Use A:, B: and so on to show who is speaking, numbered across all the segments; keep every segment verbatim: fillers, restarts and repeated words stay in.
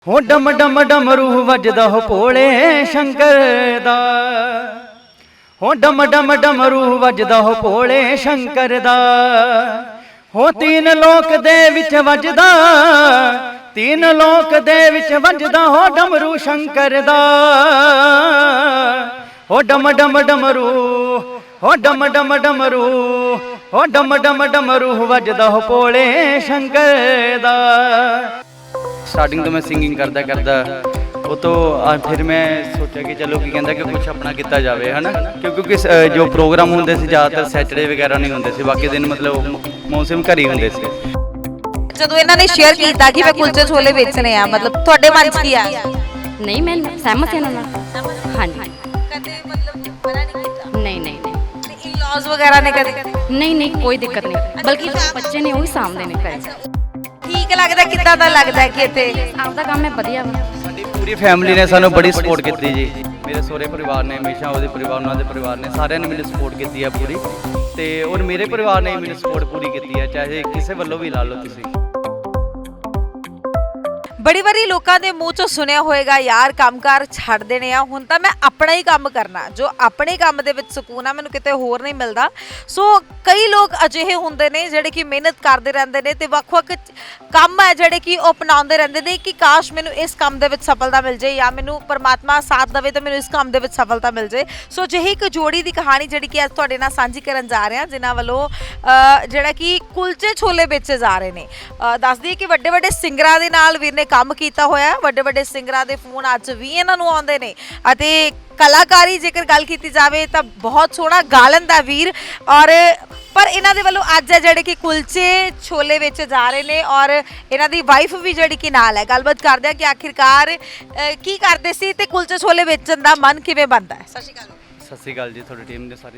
A: हो डम डम डमरू वजदा हो भोले शंकर दा। हो डम डम डमरू वजदा हो भोले शंकर दा। हो तीन लोक दे विच वजदा, तीन लोक दे विच वजदा हो डमरू शंकर दा। हो डम डम डमरू, हो डम डम डमरू, हो डम डम डमरू वजदा हो भोले शंकर दा। स्टार्टिंग तो मैं सिंगिंग करदा करदा वो तो फिर मैं सोचा कि चलो की कहता कि कुछ अपना किया जाए है ना, क्योंकि जो प्रोग्राम होंगे ज़्यादातर सैटरडे वगैरह नहीं होंगे, बाकी दिन मतलब मौसम घर ही होंगे।
B: ਜਦੋਂ ਇਹਨਾਂ ਨੇ ਸ਼ੇਅਰ ਕੀਤਾ ਕਿ ਮੈਂ ਕੁਲਚੇ ਛੋਲੇ ਵੇਚਣੇ ਆ, ਮਤਲਬ ਤੁਹਾਡੇ ਮਨ 'ਚ ਕੀ ਆ?
C: ਨਹੀਂ ਮੈਂ ਸਹਿਮਤ ਹਾਂ ਨਾਲ। ਹਾਂਜੀ
B: ਕਦੇ ਮਤਲਬ ਮਨਾ ਨਹੀਂ ਕੀਤਾ?
C: ਨਹੀਂ ਨਹੀਂ ਨਹੀਂ
B: ਤੇ ਇਨ-ਲॉज ਵਗੈਰਾ ਨੇ ਕਦੇ?
C: ਨਹੀਂ ਨਹੀਂ ਕੋਈ ਦਿੱਕਤ ਨਹੀਂ, ਬਲਕਿ ਜੋ ਬੱਚੇ ਨੇ ਉਹ ਹੀ ਸਾਂਭਦੇ ਨੇ ਘਰੇ।
B: ਠੀਕ ਲੱਗਦਾ? ਕਿੱਦਾਂ ਦਾ ਲੱਗਦਾ ਕਿ ਇੱਥੇ
C: ਆਪਦਾ ਕੰਮ ਹੈ ਵਧੀਆ ਵਾ।
A: ਸਾਡੀ ਪੂਰੀ ਫੈਮਿਲੀ ਨੇ ਸਾਨੂੰ ਬੜੀ ਸਪੋਰਟ ਕੀਤੀ ਜੀ। ਮੇਰੇ ਸਹੁਰੇ ਪਰਿਵਾਰ ਨੇ ਹਮੇਸ਼ਾ, ਉਹਦੇ ਪਰਿਵਾਰ ਉਹਨਾਂ ਦੇ ਪਰਿਵਾਰ ਨੇ, ਸਾਰਿਆਂ ਨੇ ਮੈਨੂੰ ਸਪੋਰਟ ਕੀਤੀ ਹੈ ਪੂਰੀ, ਤੇ ਔਰ ਮੇਰੇ ਪਰਿਵਾਰ ਨੇ ਮੈਨੂੰ ਸਪੋਰਟ ਪੂਰੀ ਕੀਤੀ ਹੈ, ਚਾਹੇ ਕਿਸੇ ਵੱਲੋਂ ਵੀ ਲਾ ਲਓ ਤੁਸੀਂ।
B: ਬੜੀ ਵਾਰੀ ਲੋਕਾਂ ਦੇ ਮੂੰਹ ਚੋਂ ਸੁਣਿਆ ਹੋਏਗਾ ਯਾਰ ਕੰਮਕਾਰ ਛੱਡ ਦੇਣੇ ਆ, ਹੁਣ ਤਾਂ ਮੈਂ ਆਪਣਾ ਹੀ ਕੰਮ ਕਰਨਾ, ਜੋ ਆਪਣੇ ਕੰਮ ਦੇ ਵਿੱਚ ਸਕੂਨ ਆ ਮੈਨੂੰ ਕਿਤੇ ਹੋਰ ਨਹੀਂ ਮਿਲਦਾ। ਸੋ ਕਈ ਲੋਕ ਅਜਿਹੇ ਹੁੰਦੇ ਨੇ ਜਿਹੜੇ ਕਿ ਮਿਹਨਤ ਕਰਦੇ ਰਹਿੰਦੇ ਨੇ ਤੇ ਵੱਖ-ਵੱਖ ਕੰਮ ਹੈ ਜਿਹੜੇ ਕਿ ਉਹ ਅਪਣਾਉਂਦੇ ਰਹਿੰਦੇ ਨੇ ਕਿ ਕਾਸ਼ ਮੈਨੂੰ ਇਸ ਕੰਮ ਦੇ ਵਿੱਚ ਸਫਲਤਾ ਮਿਲ ਜਾਏ ਜਾਂ ਮੈਨੂੰ ਪਰਮਾਤਮਾ ਸਾਥ ਦੇਵੇ ਤਾਂ ਮੈਨੂੰ ਇਸ ਕੰਮ ਦੇ ਵਿੱਚ ਸਫਲਤਾ ਮਿਲ ਜਾਏ। ਸੋ ਜਿਹੀ ਇੱਕ ਜੋੜੀ ਦੀ ਕਹਾਣੀ ਜਿਹੜੀ ਕਿ ਅੱਜ ਤੁਹਾਡੇ ਨਾਲ ਸਾਂਝੀ ਕਰਨ ਜਾ ਰਹੇ ਹਾਂ, ਜਿਨ੍ਹਾਂ ਵੱਲੋਂ ਜਿਹੜਾ ਕਿ ਕੁਲਚੇ ਛੋਲੇ ਵੇਚੇ ਜਾ ਰਹੇ ਨੇ। ਦੱਸ ਦਈਏ ਕਿ ਵੱਡੇ ਵੱਡੇ ਸਿੰਗਰਾਂ ਦੇ ਨਾਲ ਵੀਰ ਨੇ ਕੰਮ ਕੀਤਾ ਹੋਇਆ, ਵੱਡੇ ਵੱਡੇ ਸਿੰਗਰਾਂ ਦੇ ਫੋਨ ਅੱਜ ਵੀ ਇਹਨਾਂ ਨੂੰ ਆਉਂਦੇ ਨੇ ਅਤੇ ਕਲਾਕਾਰੀ ਜੇਕਰ ਗੱਲ ਕੀਤੀ ਜਾਵੇ ਤਾਂ ਬਹੁਤ ਸੋਹਣਾ ਗਾ ਲੈਂਦਾ ਵੀਰ। ਔਰ ਪਰ ਇਹਨਾਂ ਦੇ ਵੱਲੋਂ ਅੱਜ ਹੈ ਜਿਹੜੇ ਕਿ ਕੁਲਚੇ ਛੋਲੇ ਵੇਚੇ ਜਾ ਰਹੇ ਨੇ ਔਰ ਇਹਨਾਂ ਦੀ ਵਾਈਫ ਵੀ ਜਿਹੜੀ ਕਿ ਨਾਲ ਹੈ। ਗੱਲਬਾਤ ਕਰਦੇ ਆ ਕਿ ਆਖਿਰਕਾਰ ਕੀ ਕਰਦੇ ਸੀ ਤੇ ਕੁਲਚੇ ਛੋਲੇ ਵੇਚਣ ਦਾ ਮਨ ਕਿਵੇਂ ਬਣਦਾ ਹੈ। ਸਤਿ ਸ਼੍ਰੀ ਅਕਾਲ।
A: ਸਤਿ ਸ਼੍ਰੀ ਅਕਾਲ ਜੀ ਤੁਹਾਡੀ ਟੀਮ ਦੇ ਸਾਰੇ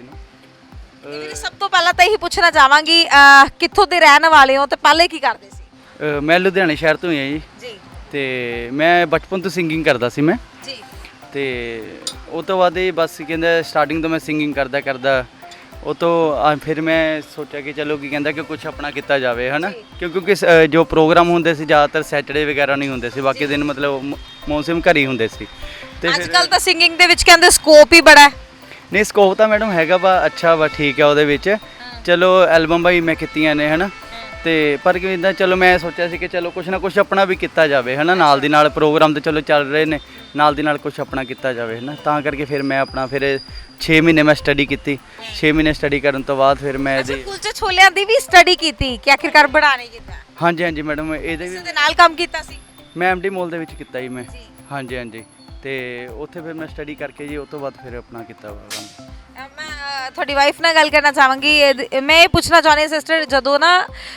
A: ਨੂੰ।
B: ਸਭ ਤੋਂ ਪਹਿਲਾਂ ਤਾਂ ਇਹੀ ਪੁੱਛਣਾ ਚਾਹਾਂਗੀ ਕਿੱਥੋਂ ਦੇ ਰਹਿਣ ਵਾਲੇ ਹੋ ਤੇ ਪਹਿਲੇ ਕੀ ਕਰਦੇ ਸੀ?
A: ਮੈਂ ਲੁਧਿਆਣੇ ਸ਼ਹਿਰ ਤੋਂ ਹੀ ਹਾਂ ਜੀ
B: ਜੀ।
A: ਤੇ ਮੈਂ ਬਚਪਨ ਤੋਂ ਸਿੰਗਿੰਗ ਕਰਦਾ ਸੀ ਮੈਂ
B: ਜੀ।
A: ਤੇ ਉਹ ਤੋਂ ਬਾਅਦ ਇਹ ਬਸ ਕਹਿੰਦਾ ਸਟਾਰਟਿੰਗ ਤੋਂ ਮੈਂ ਸਿੰਗਿੰਗ ਕਰਦਾ ਕਰਦਾ ਉਹ ਤੋਂ ਫਿਰ ਮੈਂ ਸੋਚਿਆ ਕਿ ਚਲੋ ਕੀ ਕਹਿੰਦਾ ਕਿ ਕੁਝ ਆਪਣਾ ਕੀਤਾ ਜਾਵੇ ਹੈ ਨਾ, ਕਿਉਂਕਿ ਜੋ ਪ੍ਰੋਗਰਾਮ ਹੁੰਦੇ ਸੀ ਜ਼ਿਆਦਾਤਰ ਸੈਟਰਡੇ ਵਗੈਰਾ ਨਹੀਂ ਹੁੰਦੇ ਸੀ, ਬਾਕੀ ਦਿਨ ਮਤਲਬ ਮੌਸਮ ਘਰ ਹੀ ਹੁੰਦੇ ਸੀ। ਤੇ
B: ਅੱਜ ਕੱਲ ਤਾਂ ਸਿੰਗਿੰਗ ਦੇ ਵਿੱਚ ਕਹਿੰਦੇ ਸਕੋਪ ਹੀ ਬੜਾ ਹੈ।
A: ਨਹੀਂ ਸਕੋਪ ਤਾਂ ਮੈਡਮ ਹੈਗਾ ਵਾ, ਅੱਛਾ ਵਾ, ਠੀਕ ਹੈ ਉਹਦੇ ਵਿੱਚ। ਚਲੋ ਐਲਬਮ ਵੀ ਮੈਂ ਕੀਤੀਆਂ ਨੇ ਹੈ ਨਾ, ਤੇ ਪਰ ਕਿ ਇੱਦਾਂ ਚਲੋ ਮੈਂ ਸੋਚਿਆ ਸੀ ਕਿ ਚਲੋ ਕੁਛ ਨਾ ਕੁਛ ਆਪਣਾ ਵੀ ਕੀਤਾ ਜਾਵੇ ਹੈ ਨਾ, ਨਾਲ ਦੀ ਨਾਲ ਪ੍ਰੋਗਰਾਮ ਤੇ ਚਲੋ ਚੱਲ ਰਹੇ ਨੇ, ਨਾਲ ਦੀ ਨਾਲ ਕੁਛ ਆਪਣਾ ਕੀਤਾ ਜਾਵੇ ਹੈ ਨਾ, ਤਾਂ ਕਰਕੇ ਫਿਰ ਮੈਂ ਆਪਣਾ ਫਿਰ ਛੇ ਮਹੀਨੇ ਮੈਂ ਸਟੱਡੀ ਕੀਤੀ। ਛੇ ਮਹੀਨੇ ਸਟੱਡੀ ਕਰਨ ਤੋਂ ਬਾਅਦ ਫਿਰ ਮੈਂ ਇਹਦੇ
B: ਕੁਲਚੇ ਛੋਲਿਆਂ ਦੀ ਵੀ ਸਟੱਡੀ ਕੀਤੀ ਕਿ ਆਖਿਰਕਾਰ ਬਣਾਣੇ ਕੀਤਾ?
A: ਹਾਂਜੀ ਹਾਂਜੀ ਮੈਡਮ, ਇਹਦੇ ਵੀ
B: ਦੇ ਨਾਲ ਕੰਮ ਕੀਤਾ ਸੀ?
A: ਮੈਂ ਐਮਡੀ ਮੋਲ ਦੇ ਵਿੱਚ ਕੀਤਾ ਜੀ ਮੈਂ। ਹਾਂਜੀ ਹਾਂਜੀ, ਤੇ ਉੱਥੇ ਫਿਰ ਮੈਂ ਸਟੱਡੀ ਕਰਕੇ ਜੀ ਉਸ ਤੋਂ ਬਾਅਦ ਫਿਰ ਆਪਣਾ ਕੀਤਾ ਕੰਮ।
B: ਮੈਂ ਤੁਹਾਡੀ ਵਾਈਫ ਨਾਲ ਗੱਲ ਕਰਨਾ ਚਾਹਾਂਗੀ। ਮੈਂ ਇਹ ਪੁੱਛਣਾ ਚਾਹੁੰਦੀ ਸਿਸਟਰ, ਜਦੋਂ ਨਾ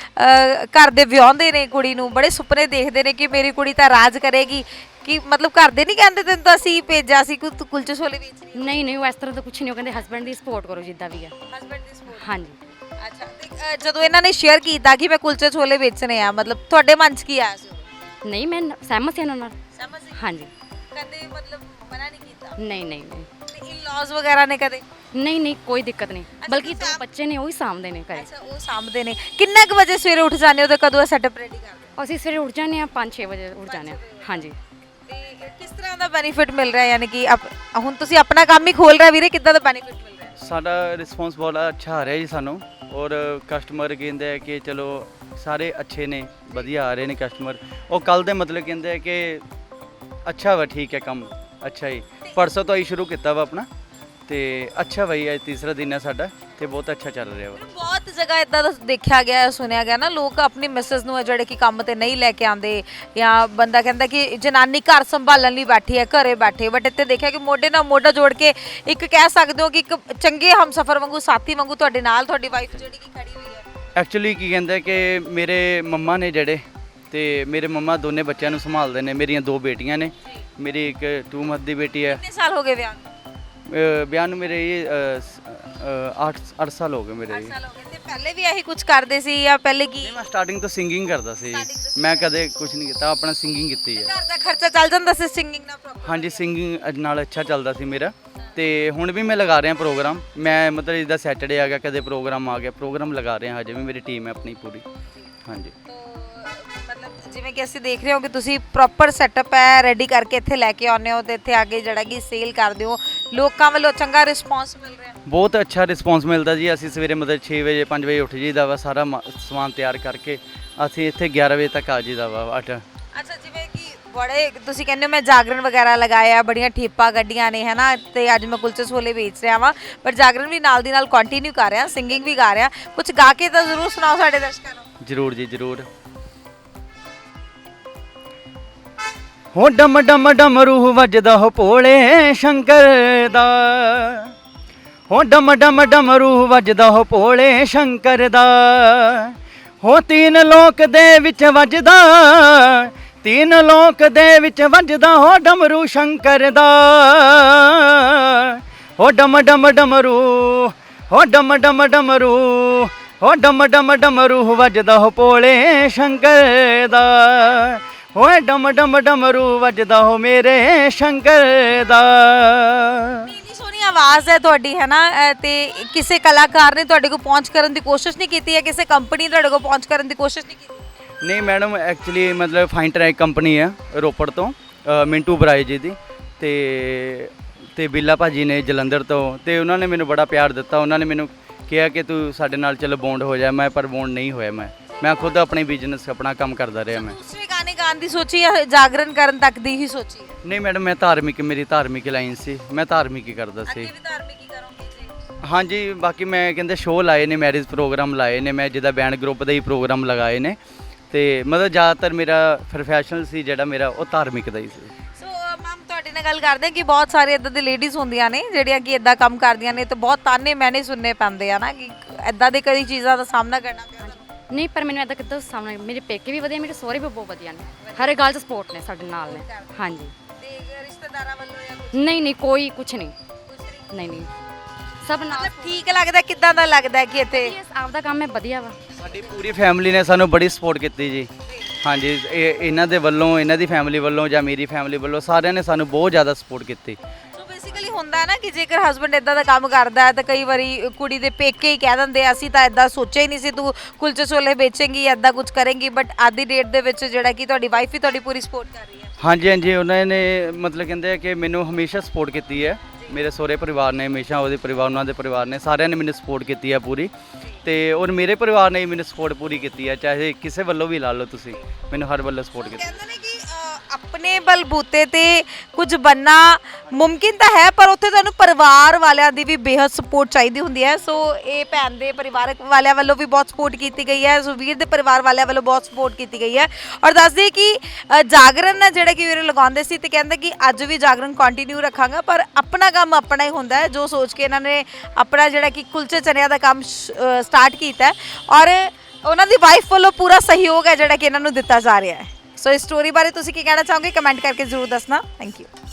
B: ਘਰ ਦੇ ਵਿਆਹੁੰਦੇ ਨੇ ਕੁੜੀ ਨੂੰ, ਬੜੇ ਸੁਪਨੇ ਦੇਖਦੇ ਨੇ ਕਿ ਮੇਰੀ ਕੁੜੀ ਤਾਂ ਰਾਜ ਕਰੇਗੀ, ਕਿ ਮਤਲਬ ਘਰ ਦੇ ਨਹੀਂ ਕਹਿੰਦੇ ਤੈਨੂੰ ਤਾਂ ਅਸੀਂ ਭੇਜਿਆ ਸੀ ਕਿ ਤੂੰ ਕੁਲਚੇ ਛੋਲੇ ਵੇਚਣੀ?
C: ਨਹੀਂ ਨਹੀਂ ਉਹ ਇਸ ਤਰ੍ਹਾਂ ਤਾਂ ਕੁਝ ਨਹੀਂ, ਉਹ ਕਹਿੰਦੇ ਹਸਬੈਂਡ ਦੀ ਸਪੋਰਟ ਕਰੋ ਜਿੱਦਾਂ ਵੀ ਆ।
B: ਹਸਬੈਂਡ ਦੀ ਸਪੋਰਟ?
C: ਹਾਂਜੀ।
B: ਅੱਛਾ, ਤੇ ਜਦੋਂ ਇਹਨਾਂ ਨੇ ਸ਼ੇਅਰ ਕੀਤਾ ਕਿ ਮੈਂ ਕੁਲਚੇ ਛੋਲੇ ਵੇਚਣੇ ਆ, ਮਤਲਬ ਤੁਹਾਡੇ ਮਨ 'ਚ ਕੀ ਆਇਆ ਸੀ?
C: ਨਹੀਂ ਮੈਂ ਸਹਿਮਤ ਹਾਂ ਨਾਲ।
B: ਸਮਝ ਗਈ।
C: ਹਾਂਜੀ।
B: ਕਦੇ ਮਤਲਬ ਮਨਾ ਨਹੀਂ ਕੀਤਾ?
C: ਨਹੀਂ ਨਹੀਂ ਨਹੀਂ
B: ਤੇ ਇਨ-ਲॉज ਵਗੈਰਾ ਨੇ ਕਦੇ?
C: ਨਹੀਂ ਨਹੀਂ ਕੋਈ ਦਿੱਕਤ ਨਹੀਂ, ਬਲਕਿ ਜੋ ਬੱਚੇ ਨੇ ਉਹ ਹੀ ਸਾਂਭਦੇ ਨੇ ਘਰੇ।
B: ਅੱਛਾ, ਉਹ ਸਾਂਭਦੇ ਨੇ। ਕਿੰਨੇ ਕੁ ਵਜੇ ਸਵੇਰੇ ਉੱਠ ਜਾਂਦੇ ਹੋ ਤੇ ਕਦੋਂ ਸੈਟਅਪ ਰੈਡੀ ਕਰਦੇ ਹੋ?
C: ਅਸੀਂ ਸਵੇਰੇ ਉੱਠ ਜਾਂਦੇ ਹਾਂ ਪੰਜ ਛੇ ਵਜੇ ਉੱਠ ਜਾਂਦੇ ਹਾਂ। ਹਾਂਜੀ।
B: ਤੇ ਕਿਸ ਤਰ੍ਹਾਂ ਦਾ ਬੈਨੀਫਿਟ ਮਿਲ ਰਿਹਾ, ਯਾਨੀ ਕਿ ਹੁਣ ਤੁਸੀਂ ਆਪਣਾ ਕੰਮ ਹੀ ਖੋਲ ਰਹੇ ਵੀਰੇ, ਕਿੱਦਾਂ ਦਾ ਬੈਨੀਫਿਟ ਮਿਲ ਰਿਹਾ?
A: ਸਾਡਾ ਰਿਸਪੌਂਸ ਬਹੁਤ ਅੱਛਾ ਆ ਰਿਹਾ ਜੀ ਸਾਨੂੰ, ਔਰ ਕਸਟਮਰ ਕਹਿੰਦੇ ਆ ਕਿ ਚਲੋ ਸਾਰੇ ਅੱਛੇ ਨੇ, ਵਧੀਆ ਆ ਰਹੇ ਨੇ ਕਸਟਮਰ। ਉਹ ਕੱਲ ਦੇ ਮਤਲਬ ਕਹਿੰਦੇ ਆ ਕਿ ਅੱਛਾ ਵਾ, ਠੀਕ ਹੈ ਕੰਮ ਅੱਛਾ ਹੀ। ਪਰਸੋਂ ਤੋਂ ਹੀ ਸ਼ੁਰੂ ਕੀਤਾ ਵਾ ਆਪਣਾ, ਤੇ ਅੱਛਾ ਬਈ ਅੱਜ ਤੀਸਰਾ ਦਿਨ ਹੈ ਸਾਡਾ ਤੇ ਬਹੁਤ ਅੱਛਾ ਚੱਲ ਰਿਹਾ ਵਾ।
B: ਬਹੁਤ ਜਗ੍ਹਾ ਇਦਾਂ ਦਾ ਦੇਖਿਆ ਗਿਆ, ਸੁਣਿਆ ਗਿਆ ਨਾ, ਲੋਕ ਆਪਣੀ ਮਿਸਸ ਨੂੰ ਜਿਹੜੇ ਕਿ ਕੰਮ ਤੇ ਨਹੀਂ ਲੈ ਕੇ ਆਉਂਦੇ, ਜਾਂ ਬੰਦਾ ਕਹਿੰਦਾ ਕਿ ਜਨਾਨੀ ਘਰ ਸੰਭਾਲਣ ਲਈ ਬੈਠੀ ਹੈ, ਘਰੇ ਬੈਠੇ, ਬਟ ਇੱਥੇ ਦੇਖਿਆ ਕਿ ਮੋਢੇ ਨਾਲ ਮੋਢਾ ਜੋੜ ਕੇ ਇੱਕ ਕਹਿ ਸਕਦੇ ਹੋ ਕਿ ਇੱਕ ਚੰਗੇ ਹਮਸਫਰ ਵਾਂਗੂ, ਸਾਥੀ ਵਾਂਗੂ ਤੁਹਾਡੇ ਨਾਲ ਤੁਹਾਡੀ ਵਾਈਫ ਜਿਹੜੀ ਕਿ ਖੜੀ ਹੋਈ ਹੈ।
A: ਐਕਚੁਅਲੀ ਕੀ ਕਹਿੰਦੇ ਕਿ ਮੇਰੇ ਮੰਮਾ ਨੇ ਜਿਹੜੇ, ਤੇ ਮੇਰੇ ਮੰਮਾ ਦੋਨੇ ਬੱਚਿਆਂ ਨੂੰ ਸੰਭਾਲਦੇ ਨੇ। ਮੇਰੀਆਂ ਦੋ ਬੇਟੀਆਂ ਨੇ, ਮੇਰੀ ਇੱਕ ਟੂ ਮੰਥ ਦੀ ਬੇਟੀ ਹੈ।
B: ਕਿੰਨੇ ਸਾਲ ਹੋ ਗਏ ਵਿਆਹ ਨੂੰ?
A: ਵਿਆਹ ਨੂੰ ਮੇਰੇ ਇਹ ਅੱਠ ਅੱਠ ਸਾਲ ਹੋ ਗਏ ਮੇਰੇ।
B: ਅੱਠ ਸਾਲ ਹੋ ਗਏ। ਤੇ ਪਹਿਲੇ ਵੀ ਇਹੀ ਕੁਝ ਕਰਦੇ ਸੀ ਜਾਂ ਪਹਿਲੇ ਕੀ?
A: ਮੈਂ ਸਟਾਰਟਿੰਗ ਤੋਂ ਸਿੰਗਿੰਗ ਕਰਦਾ ਸੀ, ਮੈਂ ਕਦੇ ਕੁਝ ਨਹੀਂ ਕੀਤਾ, ਆਪਣਾ ਸਿੰਗਿੰਗ ਕੀਤੀ ਹੈ।
B: ਘਰ ਦਾ ਖਰਚਾ ਚੱਲ ਜਾਂਦਾ ਸੀ ਸਿੰਗਿੰਗ ਨਾਲ ਪ੍ਰੋਪਰ?
A: ਹਾਂਜੀ, ਸਿੰਗਿੰਗ ਨਾਲ ਅੱਛਾ ਚੱਲਦਾ ਸੀ ਮੇਰਾ। ਤੇ ਹੁਣ ਵੀ ਮੈਂ ਲਗਾ ਰਿਹਾ ਪ੍ਰੋਗਰਾਮ, ਮੈਂ ਮਤਲਬ ਜਿੱਦਾਂ ਸੈਟਰਡੇ ਆ ਗਿਆ, ਕਦੇ ਪ੍ਰੋਗਰਾਮ ਆ ਗਿਆ, ਪ੍ਰੋਗਰਾਮ ਲਗਾ ਰਿਹਾ, ਹਜੇ ਵੀ ਮੇਰੀ ਟੀਮ ਹੈ ਆਪਣੀ ਪੂਰੀ। ਹਾਂਜੀ।
B: ਮਤਲਬ ਜਿਵੇਂ ਕਿ ਅਸੀਂ ਦੇਖ ਰਹੇ ਹਾਂ ਕਿ ਤੁਸੀਂ ਪ੍ਰੋਪਰ ਸੈਟਅਪ ਹੈ ਰੈਡੀ ਕਰਕੇ ਇੱਥੇ ਲੈ ਕੇ ਆਉਂਦੇ ਹੋ ਤੇ ਇੱਥੇ ਅੱਗੇ ਜਿਹੜਾ ਕਿ ਸੇਲ ਕਰਦੇ ਹੋ, ਲੋਕਾਂ ਵੱਲੋਂ ਚੰਗਾ ਰਿਸਪੌਂਸ ਮਿਲ ਰਿਹਾ?
A: ਬਹੁਤ ਅੱਛਾ ਰਿਸਪੌਂਸ ਮਿਲਦਾ ਜੀ। ਅਸੀਂ ਸਵੇਰੇ ਮਤਲਬ ਛੇ ਵਜੇ ਪੰਜ ਵਜੇ ਉੱਠ ਜਾਈਦਾ ਵਾ, ਸਾਰਾ ਮ- ਸਮਾਨ ਤਿਆਰ ਕਰਕੇ ਅਸੀਂ ਇੱਥੇ ਗਿਆਰਾਂ ਵਜੇ ਤੱਕ ਆ ਜਾਈਦਾ ਵਾ। ਅੱਠ
B: ਅੱਛਾ, ਜਿਵੇਂ ਕਿ ਬੜੇ ਤੁਸੀਂ ਕਹਿੰਦੇ ਹੋ ਮੈਂ ਜਾਗਰਣ ਵਗੈਰਾ ਲਗਾਇਆ, ਬੜੀਆਂ ਠੇਪਾਂ ਗੱਡੀਆਂ ਨੇ ਹੈ ਨਾ, ਤੇ ਅੱਜ ਮੈਂ ਕੁਲਚੇ ਛੋਲੇ ਵੇਚ ਰਿਹਾ ਵਾਂ, ਪਰ ਜਾਗਰਣ ਵੀ ਨਾਲ ਦੀ ਨਾਲ ਕੰਟੀਨਿਊ ਕਰ ਰਿਹਾ, ਸਿੰਗਿੰਗ ਵੀ ਗਾ ਰਿਹਾ, ਕੁਝ ਗਾ ਕੇ ਤਾਂ ਜ਼ਰੂਰ ਸੁਣਾਓ ਸਾਡੇ ਦਰਸ਼ਕਾਂ ਨੂੰ।
A: ਜ਼ਰੂਰ ਜੀ ਜ਼ਰੂਰ। ਹੋ ਡਮ ਡਮ ਡਮਰੂ ਵੱਜਦਾ ਹੋ ਭੋਲੇ ਸ਼ੰਕਰ ਦਾ, ਹੋ ਡਮ ਡਮ ਡਮਰੂ ਵੱਜਦਾ ਹੋ ਭੋਲੇ ਸ਼ੰਕਰ ਦਾ, ਹੋ ਤੀਨ ਲੋਕ ਦੇ ਵਿੱਚ ਵੱਜਦਾ, ਤੀਨ ਲੋਕ ਦੇ ਵਿੱਚ ਵੱਜਦਾ ਹੋ ਡਮਰੂ ਸ਼ੰਕਰ ਦਾ, ਹੋ ਡਮ ਡਮ ਡਮਰੂ, ਹੋ ਡਮ ਡਮ ਡਮਰੂ, ਹੋ ਡਮ ਡਮ ਡਮਰੂ ਵੱਜਦਾ ਹੋ ਭੋਲੇ ਸ਼ੰਕਰ ਦਾ, ਓਏ ਡਮ ਡਮ ਡਮਰੂ ਵੱਜਦਾ ਹੋ ਮੇਰੇ ਸ਼ੰਕਰ ਦਾ।
B: ਇੰਨੀ ਸੋਹਣੀ ਆਵਾਜ਼ ਹੈ ਤੁਹਾਡੀ ਹੈ ਨਾ, ਅਹ ਤੇ ਕਿਸੇ ਕਲਾਕਾਰ ਨੇ ਤੁਹਾਡੇ ਕੋਲ ਪਹੁੰਚ ਕਰਨ ਦੀ ਕੋਸ਼ਿਸ਼ ਨਹੀਂ ਕੀਤੀ ਹੈ, ਕਿਸੇ ਕੰਪਨੀ ਨੇ ਤੁਹਾਡੇ ਕੋਲ ਪਹੁੰਚ ਕਰਨ ਦੀ ਕੋਸ਼ਿਸ਼ ਨਹੀਂ ਕੀਤੀ?
A: ਨਹੀਂ ਮੈਡਮ, ਐਕਚੁਅਲੀ ਮਤਲਬ ਫਾਈਨ ਟਰੈਕ ਕੰਪਨੀ ਹੈ ਰੋਪੜ ਤੋਂ, ਅ, ਮਿੰਟੂ ਬਰਾਏ ਜੀ ਦੀ, ਤੇ ਤੇ ਬਿੱਲਾ ਭਾਜੀ ਨੇ ਜਲੰਧਰ ਤੋਂ, ਤੇ ਉਹਨਾਂ ਨੇ ਮੈਨੂੰ ਬੜਾ ਪਿਆਰ ਦਿੱਤਾ। ਉਹਨਾਂ ਨੇ ਮੈਨੂੰ ਕਿਹਾ ਕਿ ਤੂੰ ਸਾਡੇ ਨਾਲ ਚਲੋ ਬੌਂਡ ਹੋ ਜਾ, ਮੈਂ ਪਰ ਬੌਂਡ ਨਹੀਂ ਹੋਇਆ। ਮੈਂ ਮੈਂ ਖੁਦ ਆਪਣੇ ਬਿਜ਼ਨਸ ਆਪਣਾ ਕੰਮ ਕਰਦਾ ਰਿਹਾ। ਮੈਂ
B: ਦੂਸਰੇ ਗਾਣੇ ਗਾਣ ਦੀ ਸੋਚੀ ਜਾਂ ਜਾਗਰਣ ਕਰਨ ਤੱਕ ਦੀ ਹੀ ਸੋਚੀ?
A: ਨਹੀਂ ਮੈਡਮ, ਮੈਂ ਧਾਰਮਿਕ, ਮੇਰੀ ਧਾਰਮਿਕ ਲਾਈਨ ਸੀ, ਮੈਂ ਧਾਰਮਿਕ ਹੀ ਕਰਦਾ
B: ਅੱਗੇ
A: ਸੀ।
B: ਵੀ ਧਾਰਮਿਕ ਹੀ ਕਰੋਗੇ ਜੀ?
A: ਹਾਂਜੀ, ਬਾਕੀ ਮੈਂ ਕਹਿੰਦੇ ਸ਼ੋਅ ਲਾਏ ਨੇ, ਮੈਰਿਜ ਪ੍ਰੋਗਰਾਮ ਲਾਏ ਨੇ, ਮੈਂ ਜਿੱਦਾਂ ਬੈਂਡ ਗਰੁੱਪ ਦੇ ਹੀ ਪ੍ਰੋਗਰਾਮ ਲਗਾਏ ਨੇ, ਤੇ ਮਤਲਬ ਜ਼ਿਆਦਾਤਰ ਮੇਰਾ ਪ੍ਰੋਫੈਸ਼ਨਲ ਸੀ ਜਿਹੜਾ ਮੇਰਾ, ਉਹ ਧਾਰਮਿਕ ਦਾ ਹੀ ਸੀ।
B: ਸੋ ਮੈਮ, ਤੁਹਾਡੇ ਨਾਲ ਗੱਲ ਕਰਦੇ ਹਾਂ ਕਿ ਬਹੁਤ ਸਾਰੇ ਇਦਾਂ ਦੇ ਲੇਡੀਜ਼ ਹੁੰਦੀਆਂ ਨੇ ਜਿਹੜੀਆਂ ਕਿ ਇਦਾਂ ਕੰਮ ਕਰਦੀਆਂ ਨੇ, ਤੇ ਬਹੁਤ ਤਾਨੇ ਮੈਨੇ ਸੁਣਨੇ ਪੈਂਦੇ ਆ ਨਾ ਕਿ ਇਦਾਂ ਦੇ ਕਈ ਚੀਜ਼ਾਂ ਦਾ ਸਾਹਮਣਾ ਕਰਨਾ ਪਿਆ।
C: ਨਹੀਂ, ਪਰ ਮੈਨੂੰ ਇਦਾਂ ਕਿੱਦਾਂ ਸਾਹਮਣੇ ਮੇਰੇ ਪੇਕੇ ਵੀ ਵਧੀਆ, ਮੇਰੇ ਸਹੁਰੇ ਵੀ ਬਹੁਤ ਵਧੀਆ ਨੇ, ਹਰ ਇੱਕ ਗੱਲ 'ਚ ਸਪੋਰਟ ਨੇ, ਸਾਡੇ ਨਾਲ ਨੇ। ਹਾਂਜੀ,
B: ਤੇ ਰਿਸ਼ਤੇਦਾਰਾਂ ਵੱਲੋਂ ਜਾਂ ਕੁਝ
C: ਨਹੀਂ ਨਹੀਂ ਕੋਈ ਕੁਛ ਨਹੀਂ, ਨਹੀਂ ਨਹੀਂ ਸਭ ਨਾਲ।
B: ਮਤਲਬ ਠੀਕ ਲੱਗਦਾ, ਕਿਦਾਂ ਦਾ ਲੱਗਦਾ ਕਿ ਇੱਥੇ
C: ਇਹ ਆਪਦਾ ਕੰਮ ਹੈ, ਵਧੀਆ ਵਾ।
A: ਸਾਡੀ ਪੂਰੀ ਫੈਮਿਲੀ ਨੇ ਸਾਨੂੰ ਬੜੀ ਸਪੋਰਟ ਕੀਤੀ ਜੀ। ਹਾਂਜੀ, ਇਹ ਇਹਨਾਂ ਦੇ ਵੱਲੋਂ, ਇਹਨਾਂ ਦੀ ਫੈਮਿਲੀ ਵੱਲੋਂ ਜਾਂ ਮੇਰੀ ਫੈਮਿਲੀ ਵੱਲੋਂ, ਸਾਰਿਆਂ ਨੇ ਸਾਨੂੰ ਬਹੁਤ ਜ਼ਿਆਦਾ ਸਪੋਰਟ ਕੀਤੀ।
B: ਸੋ ਬੇਸਿਕਲੀ ਹੁੰਦਾ ਹੈ ਨਾ ਕਿ ਜੇਕਰ ਹਸਬੰਡ ਇਦਾਂ ਦਾ ਕੰਮ ਕਰਦਾ ਹੈ ਤਾਂ ਕਈ ਵਾਰੀ ਕੁੜੀ ਦੇ ਪੇਕੇ ਹੀ ਕਹਿ ਦਿੰਦੇ ਆ, ਅਸੀਂ ਤਾਂ ਇਦਾਂ ਸੋਚਿਆ ਹੀ ਨਹੀਂ ਸੀ ਤੂੰ ਕੁਲਚੇ ਛੋਲੇ ਵੇਚੇਂਗੀ, ਇਦਾਂ ਕੁਝ ਕਰੇਂਗੀ, ਬਟ ਅੱਜ ਦੀ ਡੇਟ ਦੇ ਵਿੱਚ ਜਿਹੜਾ ਕਿ ਤੁਹਾਡੀ ਵਾਈਫ ਹੀ ਤੁਹਾਡੀ ਪੂਰੀ ਸਪੋਰਟ ਕਰ ਰਹੀ ਹੈ।
A: ਹਾਂਜੀ ਹਾਂਜੀ, ਉਹਨਾਂ ਨੇ ਮਤਲਬ ਕਹਿੰਦੇ ਆ ਕਿ ਮੈਨੂੰ ਹਮੇਸ਼ਾ ਸਪੋਰਟ ਕੀਤੀ ਹੈ। ਮੇਰੇ ਸਹੁਰੇ ਪਰਿਵਾਰ ਨੇ ਹਮੇਸ਼ਾ, ਉਹਦੇ ਪਰਿਵਾਰ, ਉਹਨਾਂ ਦੇ ਪਰਿਵਾਰ ਨੇ, ਸਾਰਿਆਂ ਨੇ ਮੈਨੂੰ ਸਪੋਰਟ ਕੀਤੀ ਹੈ ਪੂਰੀ, ਤੇ ਔਰ ਮੇਰੇ ਪਰਿਵਾਰ ਨੇ ਵੀ ਮੈਨੂੰ ਸਪੋਰਟ ਪੂਰੀ ਕੀਤੀ ਹੈ, ਚਾਹੇ ਕਿਸੇ ਵੱਲੋਂ ਵੀ ਲਾ ਲਓ ਤੁਸੀਂ, ਮੈਨੂੰ ਹਰ ਵੱਲੋਂ ਸਪੋਰਟ ਕੀਤੀ।
B: ਕਹਿੰਦੇ ਨੇ ਕਿ ਅ, ਆਪਣੇ ਬਲਬੂਤੇ ਤੇ ਕੁਝ ਬੰਨਾ ਮੁਮਕਿਨ ਤਾਂ ਹੈ, ਪਰ ਉੱਥੇ ਤੁਹਾਨੂੰ ਪਰਿਵਾਰ ਵਾਲਿਆਂ ਦੀ ਵੀ ਬੇਹੱਦ ਸਪੋਰਟ ਚਾਹੀਦੀ ਹੁੰਦੀ ਹੈ। ਸੋ ਇਹ ਭੈਣ ਦੇ ਪਰਿਵਾਰਕ ਵਾਲਿਆਂ ਵੱਲੋਂ ਵੀ ਬਹੁਤ ਸਪੋਰਟ ਕੀਤੀ ਗਈ ਹੈ, ਸੁਵੀਰ ਦੇ ਪਰਿਵਾਰ ਵਾਲਿਆਂ ਵੱਲੋਂ ਬਹੁਤ ਸਪੋਰਟ ਕੀਤੀ ਗਈ ਹੈ। ਔਰ ਦੱਸਦੇ ਕਿ ਅ, ਜਾਗਰਣ ਹੈ ਜਿਹੜਾ ਕਿ ਵੀਰੇ ਲਗਾਉਂਦੇ ਸੀ, ਤੇ ਕਹਿੰਦੇ ਕਿ ਅੱਜ ਵੀ ਜਾਗਰਣ ਕੰਟੀਨਿਊ ਰੱਖਾਂਗਾ, ਪਰ ਆਪਣਾ ਕੰਮ ਆਪਣਾ ਹੀ ਹੁੰਦਾ ਹੈ, ਜੋ ਸੋਚ ਕੇ ਇਹਨਾਂ ਨੇ ਆਪਣਾ ਜਿਹੜਾ ਕਿ ਕੁਲਚੇ ਚਨਿਆਂ ਦਾ ਕੰਮ ਸਟਾਰਟ ਕੀਤਾ ਹੈ, ਔਰ ਉਹਨਾਂ ਦੀ ਵਾਈਫ ਵੱਲੋਂ ਪੂਰਾ ਸਹਿਯੋਗ ਹੈ ਜਿਹੜਾ ਕਿ ਇਹਨਾਂ ਨੂੰ ਦਿੱਤਾ ਜਾ ਰਿਹਾ ਹੈ। ਸੋ ਇਸ ਸਟੋਰੀ ਬਾਰੇ ਤੁਸੀਂ ਕੀ ਕਹਿਣਾ ਚਾਹੋਗੇ, ਕਮੈਂਟ ਕਰਕੇ ਜ਼ਰੂਰ ਦੱਸਣਾ। Thank you.